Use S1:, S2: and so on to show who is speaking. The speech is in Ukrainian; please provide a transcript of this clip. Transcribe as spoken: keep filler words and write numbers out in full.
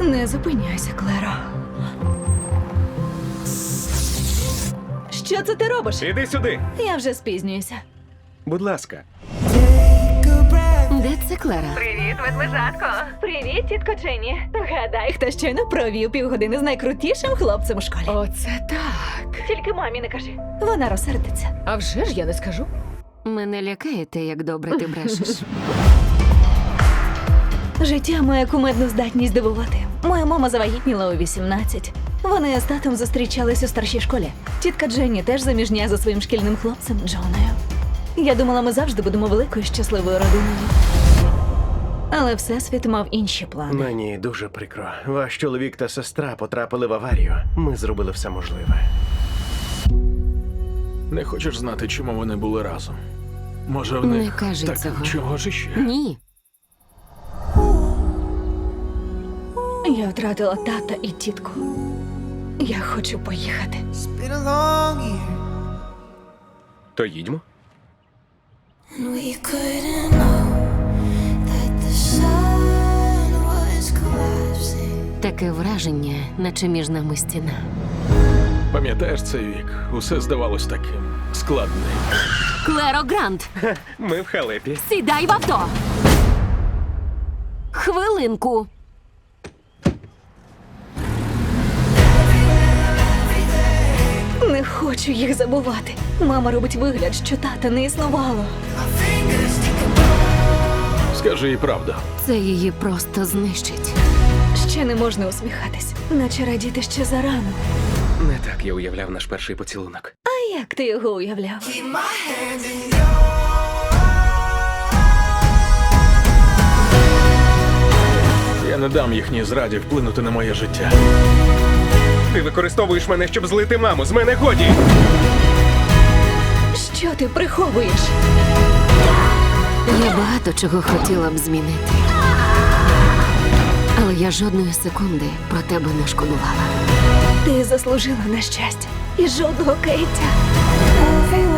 S1: Не зупиняйся, Клеро. Що це ти робиш?
S2: Іди сюди.
S1: Я вже спізнююся.
S2: Будь ласка.
S3: Де це Клера?
S1: Привіт, ведмежатко. Привіт, тітко Дженні. Гадай, хто щойно провів півгодини з найкрутішим хлопцем у школі.
S3: Оце так.
S1: Тільки мамі не кажи. Вона розсердиться.
S3: А вже ж я не скажу. Мене лякає те, як добре ти брешеш.
S1: Життя має кумедну здатність дивувати. Моя мама завагітніла у вісімнадцять. Вони з татом зустрічались у старшій школі. Тітка Дженні теж заміжня за своїм шкільним хлопцем Джоною. Я думала, ми завжди будемо великою щасливою родиною. Але Всесвіт мав інші плани.
S2: Мені дуже прикро. Ваш чоловік та сестра потрапили в аварію. Ми зробили все можливе.
S4: Не хочеш знати, чому вони були разом? Може, в
S3: Не
S4: них
S3: кажи
S4: так
S3: цього.
S4: чого ж іще?
S3: Ні.
S1: Я втратила тата і тітку. Я хочу поїхати.
S5: Been a long year,
S2: То їдьмо.
S5: and we couldn't know that the sun was collapsing.
S3: Таке враження, наче між нами стіна.
S4: Пам'ятаєш цей вік? Усе здавалось таким складним.
S3: Клеро Грант,
S2: Ми в халепі.
S3: сідай в авто! Хвилинку.
S1: Не хочу їх забувати. Мама робить вигляд, що тата не існувало.
S4: Скажи їй правду.
S3: Це її просто знищить.
S1: Ще не можна усміхатись, наче радіти ще зарано.
S2: Не так я уявляв наш перший поцілунок.
S1: А як ти його уявляв?
S4: Я не дам їхній зраді вплинути на моє життя.
S2: Ти використовуєш мене, щоб злити маму. З мене годі!
S1: Що ти приховуєш?
S3: Я багато чого хотіла б змінити. Але я жодної секунди про тебе не шкодувала.
S1: Ти заслужила на щастя і жодного каяття.
S5: Everyone